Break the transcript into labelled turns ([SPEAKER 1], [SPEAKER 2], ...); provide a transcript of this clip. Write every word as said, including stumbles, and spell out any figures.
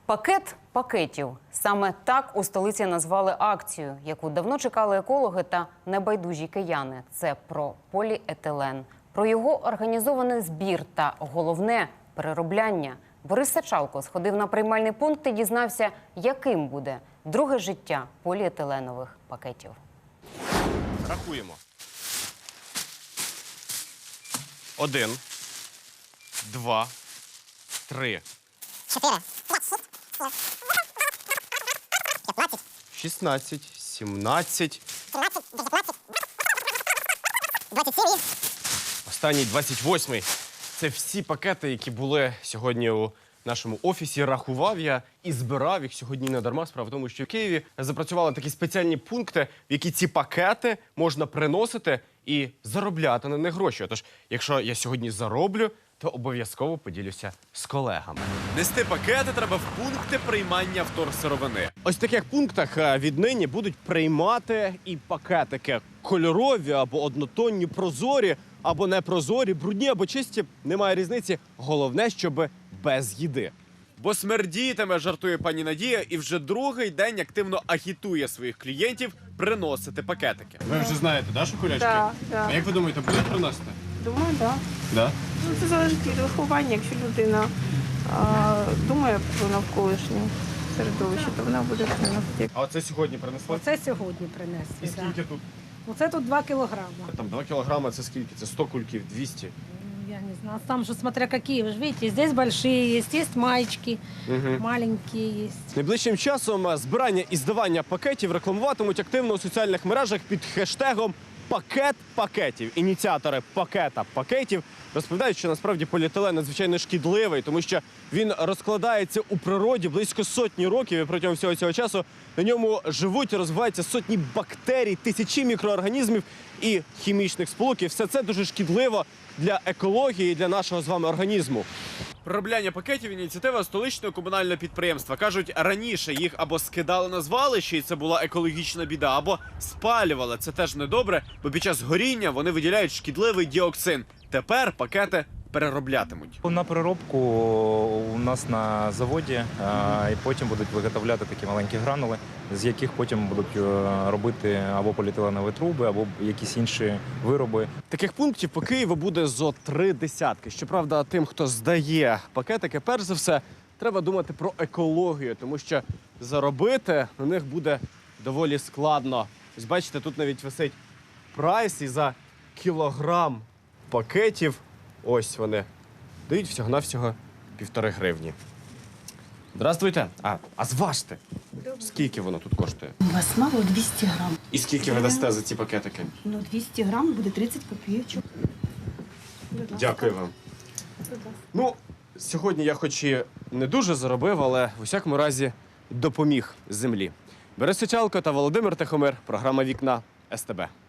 [SPEAKER 1] Пакет пакетів. Саме так у столиці назвали акцію, яку давно чекали екологи та небайдужі кияни. Це про поліетилен, про його організований збір та, головне, переробляння. Борис Сачалко сходив на приймальний пункт і дізнався, яким буде друге життя поліетиленових пакетів.
[SPEAKER 2] Рахуємо. Один, два, три.
[SPEAKER 3] Чотири. П'ятнадцять.
[SPEAKER 2] Шістнадцять, сімнадцять.
[SPEAKER 3] Сімнадцять, дев'ятнадцять. Двадцять сім.
[SPEAKER 2] Останній двадцять восьмий. Це всі пакети, які були сьогодні у нашому офісі. Рахував я і збирав їх сьогодні не дарма. Справа в тому, що в Києві запрацювали такі спеціальні пункти, в які ці пакети можна приносити і заробляти на них гроші. Тож, якщо я сьогодні зароблю, то обов'язково поділюся з колегами. Нести пакети треба в пункти приймання вторсировини. Ось в таких пунктах віднині будуть приймати і пакетики кольорові або однотонні, прозорі, або непрозорі, брудні або чисті. Немає різниці. Головне, щоб без їди. Бо смердітиме, жартує пані Надія, і вже другий день активно агітує своїх клієнтів приносити пакетики. Ви вже знаєте, да, що кулячки?
[SPEAKER 4] Так, так.
[SPEAKER 2] А як ви думаєте, будуть приносити?
[SPEAKER 4] Думаю, так.
[SPEAKER 2] Да.
[SPEAKER 4] Ну, це залежить від виховання. Якщо людина а, думає про навколишнє середовище, то вона буде приносити.
[SPEAKER 2] А оце сьогодні принесли?
[SPEAKER 5] Оце сьогодні принесли.
[SPEAKER 2] І скільки тут?
[SPEAKER 5] Оце тут два кілограми.
[SPEAKER 2] Там два кілограми, це скільки? Це сто кульків, двісті?
[SPEAKER 5] Ну, я не знаю. Там же смотря какие. Вы же видите, здесь большие есть, есть маечки,
[SPEAKER 2] Угу.
[SPEAKER 5] маленькие есть.
[SPEAKER 2] Найближчим часом збирання і здавання пакетів рекламуватимуть активно у соціальних мережах під хештегом «Пакет пакетів». Ініціатори пакета пакетів розповідають, що насправді поліетилен надзвичайно шкідливий, тому що він розкладається у природі близько сотні років, і протягом всього цього часу на ньому живуть і розвиваються сотні бактерій, тисячі мікроорганізмів і хімічних сполук. І все це дуже шкідливо для екології і для нашого з вами організму. Переробляння пакетів – ініціатива столичного комунального підприємства. Кажуть, раніше їх або скидали на звалище, і це була екологічна біда, або спалювали. Це теж недобре, бо під час горіння вони виділяють шкідливий діоксин. Тепер пакети перероблятимуть.
[SPEAKER 6] На переробку у нас на заводі, а, і потім будуть виготовляти такі маленькі гранули, з яких потім будуть е, робити або поліетиленові труби, або якісь інші вироби.
[SPEAKER 2] Таких пунктів по Києву буде зо три десятки. Щоправда, тим, хто здає пакетики, перш за все, треба думати про екологію, тому що заробити на них буде доволі складно. Ось бачите, тут навіть висить прайс, і за кілограм пакетів, ось вони, дають всього-навсього півтори гривні. Здравствуйте. А, а зважте. Скільки воно тут коштує?
[SPEAKER 7] У вас мало двісті грам.
[SPEAKER 2] І скільки ви дасте за ці пакетики?
[SPEAKER 7] Ну, двісті грам буде тридцять копійочок.
[SPEAKER 2] Дякую вам. Ну, сьогодні я хоч і не дуже заробив, але в усякому разі допоміг землі. Борис Сачалко та Володимир Тихомир. Програма «Вікна» ес те бе.